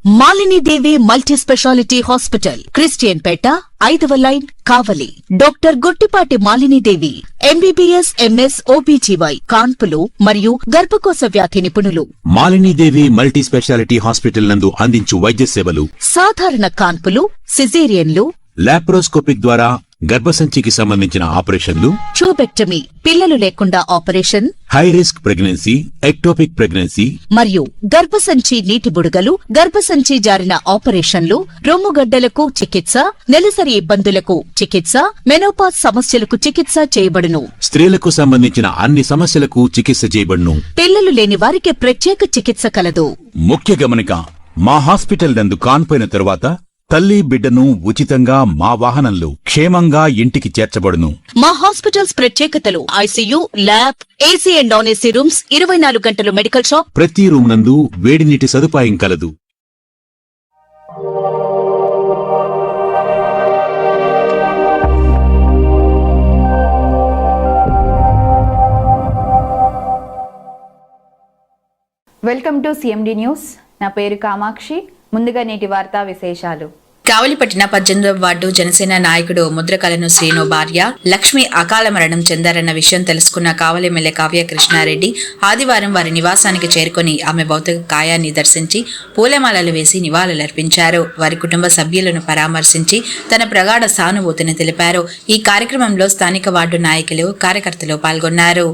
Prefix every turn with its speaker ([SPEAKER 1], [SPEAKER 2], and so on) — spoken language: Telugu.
[SPEAKER 1] Malini Devi multi speciality hospital, Christian Peta, 5వ line, Kavali. Doctor Guttipati Malinidevi, MBBS, MS, OBGY, కాన్పులు మరియు గర్భకోశ వ్యాధి నిపుణులు.
[SPEAKER 2] మాలినీదేవి మల్టీ స్పెషాలిటీ హాస్పిటల్ నందు అందించు వైద్య సేవలు:
[SPEAKER 1] సాధారణ కాన్పులు, సిజేరియన్లు,
[SPEAKER 2] లాప్రోస్కోపిక్ ద్వారా గర్భసంచికి సంబంధించిన ఆపరేషన్లు,
[SPEAKER 1] ట్యూబెక్టమీ, పిల్లలు లేకుండా operation,
[SPEAKER 2] high risk pregnancy, ectopic pregnancy
[SPEAKER 1] మరియు గర్భసంచి నీటి బుడగలు, గర్భసంచి జారిన ఆపరేషన్లు, రొమ్ముగడ్డలకు చికిత్స, నెలసరి ఇబ్బందులకు చికిత్స, మెనోపాజ్ సమస్యలకు చికిత్స చేయబడును.
[SPEAKER 2] స్త్రీలకు సంబంధించిన అన్ని సమస్యలకు చికిత్స చేయబడును.
[SPEAKER 1] పిల్లలు లేని వారికి ప్రత్యేక చికిత్స కలదు.
[SPEAKER 2] ముఖ్య గమనిక: మా హాస్పిటల్ నందు కాన్పోయిన తరువాత తల్లి బిడ్డను ఉచితంగా మా వాహనంలో క్షేమంగా ఇంటికి చేర్చబడును.
[SPEAKER 1] మా హాస్పిటల్స్ ప్రత్యేకతలు: ICU, lab, AC and non AC rooms, 24 గంటలు మెడికల్ షాప్,
[SPEAKER 2] ప్రతి రూమ్ నందు వేడి నీటి సదుపాయం కలదు.
[SPEAKER 3] Welcome to CMD news. నా పేరు కామాక్షి. ముందుగా నేటి వార్తా విశేషాలు.
[SPEAKER 4] కావలిపట్టిన 18వ వార్డు జనసేన నాయకుడు ముద్రకలను శ్రీను భార్య లక్ష్మి అకాల మరణం చెందారన్న విషయం తెలుసుకున్న కావలి ఎమ్మెల్యే కావ్య కృష్ణారెడ్డి ఆదివారం వారి నివాసానికి చేరుకుని ఆమె భౌతిక కాయాన్ని దర్శించి పూలమాలలు వేసి నివాళులర్పించారు. వారి కుటుంబ సభ్యులను పరామర్శించి తన ప్రగాఢ సానుభూతిని తెలిపారు. ఈ కార్యక్రమంలో స్థానిక వార్డు నాయకులు, కార్యకర్తలు పాల్గొన్నారు.